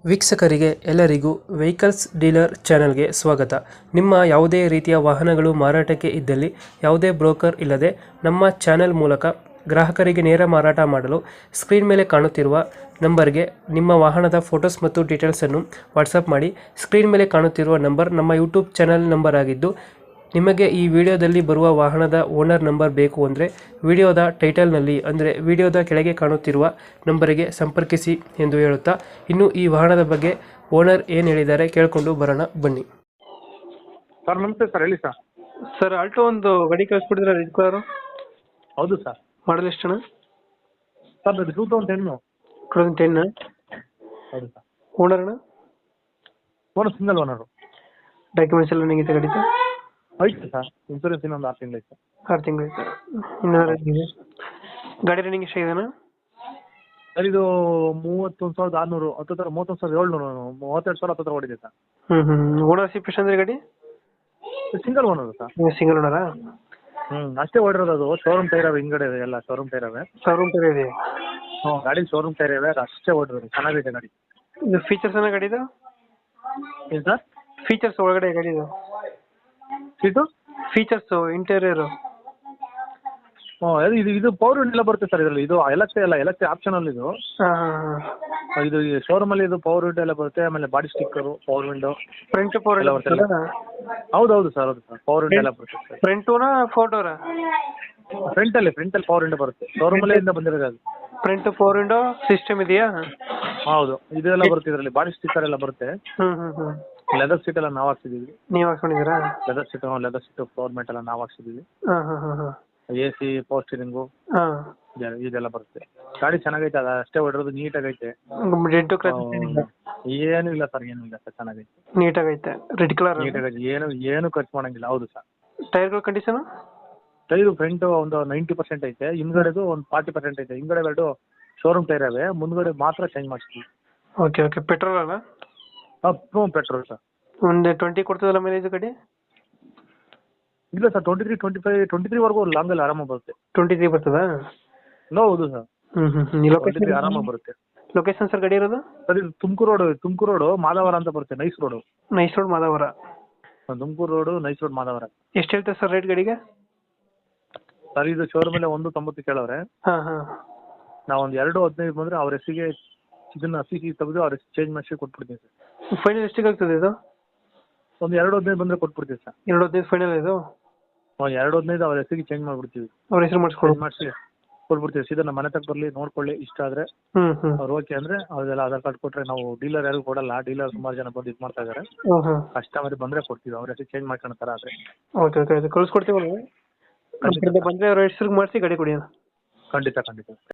ವೀಕ್ಷಕರಿಗೆ ಎಲ್ಲರಿಗೂ vehicles dealer ಚಾನೆಲ್ಗೆ ಸ್ವಾಗತ. ನಿಮ್ಮ ಯಾವುದೇ ರೀತಿಯ ವಾಹನಗಳು ಮಾರಾಟಕ್ಕೆ ಇದ್ದಲ್ಲಿ ಯಾವುದೇ ಬ್ರೋಕರ್ ಇಲ್ಲದೆ ನಮ್ಮ ಚಾನೆಲ್ ಮೂಲಕ ಗ್ರಾಹಕರಿಗೆ ನೇರ ಮಾರಾಟ ಮಾಡಲು ಸ್ಕ್ರೀನ್ ಮೇಲೆ ಕಾಣುತ್ತಿರುವ ನಂಬರ್ಗೆ ನಿಮ್ಮ ವಾಹನದ ಫೋಟೋಸ್ ಮತ್ತು ಡೀಟೇಲ್ಸನ್ನು ವಾಟ್ಸಪ್ ಮಾಡಿ. ಸ್ಕ್ರೀನ್ ಮೇಲೆ ಕಾಣುತ್ತಿರುವ ನಂಬರ್ ನಮ್ಮ ಯೂಟ್ಯೂಬ್ ಚಾನೆಲ್ ನಂಬರ್ ಆಗಿದ್ದು, ನಿಮಗೆ ಈ ವಿಡಿಯೋದಲ್ಲಿ ಬರುವ ವಾಹನದ ಓನರ್ ನಂಬರ್ ಬೇಕು ಅಂದರೆ ವಿಡಿಯೋದ ಟೈಟಲ್ನಲ್ಲಿ ಅಂದರೆ ವಿಡಿಯೋದ ಕೆಳಗೆ ಕಾಣುತ್ತಿರುವ ನಂಬರಿಗೆ ಸಂಪರ್ಕಿಸಿ ಎಂದು ಹೇಳುತ್ತಾ, ಇನ್ನು ಈ ವಾಹನದ ಬಗ್ಗೆ ಓನರ್ ಏನು ಹೇಳಿದ್ದಾರೆ ಕೇಳಿಕೊಂಡು ಬರೋಣ ಬನ್ನಿ. ಸರ್ ನಮಸ್ತೆ ಸರ್, ಹೇಳಿ ಸರ್. ಸರ್, ಆಲ್ಟೋ ಒಂದು ಗಾಡಿ ಕಳಿಸ್ಕೊಡಿದ್ರೆ ರೆಡ್ ಕಲರು. ಹೌದು ಸರ್. ಮಾಡಲ್ ಎಷ್ಟು ಅಣ್ಣ? ಸರ್ ಅದು 2010. 2010. ಹೌದು ಸರ್. ಓನರ್ ಅಣ್ಣ? Owner single owner. ಡಾಕ್ಯುಮೆಂಟ್ಸ್ ಎಲ್ಲ ನಿಮಗೆ ಗಾಡಿದು? ಐತೆ ಸರ್, ಇನ್ಸೂರೆನ್ಸ್ ಇನ್ನೊಂದು 6 ತಿಂಗಳು ಐತೆ. 6 ತಿಂಗಳು ಐತೆ. ಇನ್ನೂ ಗಾಡಿ ರನ್ನಿಂಗ್ ಎಷ್ಟಾಗಿದೆನಾ ಸರ್? ಇದು 31,600 ಹತ್ತಿರ 31,700 32,000 ಹತ್ತಿರ ಓಡಿದೆ ಸರ್. ಓನರ್ಶಿಪ್ ಎಷ್ಟು ಅಂದ್ರೆ ಗಾಡಿ? Single owner sir. ಸಿಂಗಲ್ ಓನರಾ? ಅಷ್ಟೇ ಓಡಿರೋದು. ಅದು ಶೋರೂಮ್ ಟೈರ್ ಅವೆ, ಹಿಂಗಡೆ ಇದೆ ಎಲ್ಲ ಶೋರೂಮ್ ಟೈರ್ ಅವೆ. ಶೋರೂಮ್ ಟೈರ್ ಇದೆ? ಗಾಡಿ ಶೋರೂಮ್ ಟೈರ್ ಇವೆ, ಅಷ್ಟೇ ಓಡಿರೋದು. ಚೆನ್ನಾಗಿದೆ ಗಾಡಿ. ಇದು ಫೀಚರ್ಸ್ ಏನೋ ಗಾಡಿದು? ಏನು ಸರ್? ಫೀಚರ್ಸ್ ಒಳಗಡೆ ಗಾಡಿದು ಸೀಟು ಫೀಚರ್ಸ್ ಇಂಟೀರಿಯರ್? ಇದು ಪವರ್ ವಿಂಡೋ ಎಲ್ಲ ಬರುತ್ತೆ ಸರ್ ಇದರಲ್ಲಿ. ಇದು ಎಲಕ್ಟ್ರಿಕ್ ಆಪ್ಷನಲ್ ಇದು. ಇದು ಶೋರೂಮ್ ಅಲ್ಲಿ ಇದು ಪವರ್ ವಿಂಡೋ ಎಲ್ಲ ಬರುತ್ತೆ. ಆಮೇಲೆ body sticker, power window, front power ಎಲ್ಲ ಬರುತ್ತೆ. ಹೌದು ಸರ್, ಹೌದು ಸರ್, ಪವರ್ ವಿಂಡೋ ಎಲ್ಲ ಬರುತ್ತೆ ಸರ್. ಫ್ರಂಟುನಾ ಫೋಟೋರಾ? ಫ್ರಂಟಲ್ಲಿ ಪವರ್ ವಿಂಡೋ ಬರುತ್ತೆ. ಶೋರೂಮ್ ಅಲ್ಲೇ ಇಂದ ಬಂದಿರೋದು ಅದು. ಫ್ರಂಟ್ ಪವರ್ ವಿಂಡೋ ಸಿಸ್ಟಮ್ ಇದೆಯಾ? ಹೌದು, ಇದೆಲ್ಲ ಬರುತ್ತೆ ಇದರಲ್ಲಿ. ಬಾಡಿ ಸ್ಟಿಕ್ಕರ್ ಎಲ್ಲ ಬರುತ್ತೆ. ಲೆದರ್ ಸೀಟ್ ಎಲ್ಲ ನಾವು ಹಾಕ್ಸಿದೀವಿ. ನೀವು ಹಾಕೊಂಡಿದ್ದೀರಾ? ಲೆದರ್ ಸೀಟ್ ಫ್ಲೋರ್ ಮ್ಯಾಟ್ ಎಲ್ಲ ನಾವು ಹಾಕ್ಸಿದೀವಿ. AC, ಪವರ್ ಸ್ಟೀರಿಂಗು ಇದೆಲ್ಲ ಬರುತ್ತೆ. ಗಾಡಿ ಚೆನ್ನಾಗೈತೆ, ಅದು ಅಷ್ಟೇ ಹೊಡಿರೋದು. ನೀಟಾಗೈತೆ. ಏನೂ ಇಲ್ಲ ಸರ್, ಚೆನ್ನಾಗೈತೆ. ನೀಟಾಗೈತೆ. ರೆಡ್ ಕಲರ್ ನೀಟಾಗೈತೆ, ಏನು ಖರ್ಚು ಮಾಡಂಗಿಲ್ಲ. ಹೌದು ಸರ್. ಟೈರ್ಗಳ ಕಂಡೀಷನ್? ಟೈರು ಫ್ರಂಟ್ ಒಂದು 90% ಐತೆ, ಹಿಂದ್ಗಡೆದು ಒಂದು 40% ಐತೆ. ಹಿಂದ್ಗಡೆ ಎರಡು ಶೋರೂಮ್ ಟೈರ್ ಅವೆ, ಮುಂದ್ಗಡೆ ಮಾತ್ರ ಚೇಂಜ್ ಮಾಡಿಸ್ತೀವಿ. ಓಕೆ. ಪೆಟ್ರೋಲ್ ಅಲ್ಲ? Petrol sir. ಒಂದು 20 ಕೊಡ್ತದಲ್ಲ ಮೈಲೇಜ್ ಗಾಡಿ? ಇಲ್ಲ ಸರ್, 23, 25, 23ವರೆಗೂ ಲಾಂಗಲ್ಲಿ ಆರಾಮಾಗಿ ಬರುತ್ತೆ. 23 ಬರ್ತದಾ? ಹೌದು ಸರ್. 23 ಆರಾಮಾಗಿ ಬರುತ್ತೆ. ಲೊಕೇಶನ್ ಸರ್ ಗಾಡಿ ಇರೋದು? ಸರ್ ಇದು ತುಮಕೂರು ರೋಡು ಮಾದಾವರ ಅಂತ ಬರುತ್ತೆ. Nice road Madavara. Tumakuru road nice road Madavara. ಎಷ್ಟು ಹೇಳ್ತಾರೆ ಸರ್ ರೇಟ್ ಗಾಡಿಗೆ? ಸರ್ ಇದು ಶೋರೂಮ್ ಅಲ್ಲಿ 190 ಕೇಳವ್ರೆ. ನಾವು ಒಂದು 215 ಬಂದ್ರೆ ಅವ್ರ ಹೆಸರಿಗೆ ಇದನ್ನ CC ತೆಗೆದು ಅವ್ರ ಹೆಸರು ಚೇಂಜ್ ಮಾಡಿಸಿ ಕೊಟ್ಬಿಡ್ತೀನಿ ಸರ್. ಫೈನಲ್ ಎಷ್ಟಿಗೆ ಆಗ್ತದೆ ಇದು? ಒಂದು 215 ಬಂದ್ರೆ ಕೊಟ್ಬಿಡ್ತೀವಿ ಸರ್. 215 ಫೈನಲ್ ಇದು? 215 ಅವ್ರ ಹೆಸರಿಗೆ ಚೇಂಜ್ ಮಾಡ್ಬಿಡ್ತೀವಿ. ಅವ್ರ ಹೆಸರು ಮಾಡಿಸಿ ಕೊಟ್ಬಿಡ್ತೀವಿ. ಸೀದಾ ನಮ್ಮ ಮನೆ ತಕ್ಕ ಬರ್ಲಿ, ನೋಡ್ಕೊಳ್ಳಿ. ಇಷ್ಟ ಆದ್ರೆ ಅವ್ರು ಓಕೆ ಅಂದ್ರೆ ಅವ್ರಿಗೆಲ್ಲ ಆಧಾರ್ ಕಾರ್ಡ್ ಕೊಟ್ರೆ ನಾವು ಡೀಲರ್ ಯಾರಿಗೂ ಕೊಡಲ್ಲ. ಡೀಲರ್ ಸುಮಾರು ಜನ ಬಂದು ಇದು ಮಾಡ್ತಾ ಇದಾರೆ. ಕಸ್ಟಮರ್ ಬಂದ್ರೆ ಕೊಡ್ತೀವಿ, ಅವ್ರ ಹೆಸರು ಚೇಂಜ್ ಮಾಡ್ಕೊಳ್ತಾರ ಆದ್ರೆ. ಓಕೆ. ಕಳ್ಸಿಕೊಡ್ತೀವಿ. ಬಂದ್ರೆ ಅವ್ರ ಹೆಸರು ಮಾಡಿಸಿ ಗಾಡಿ ಕೊಡಿ. ಖಂಡಿತ.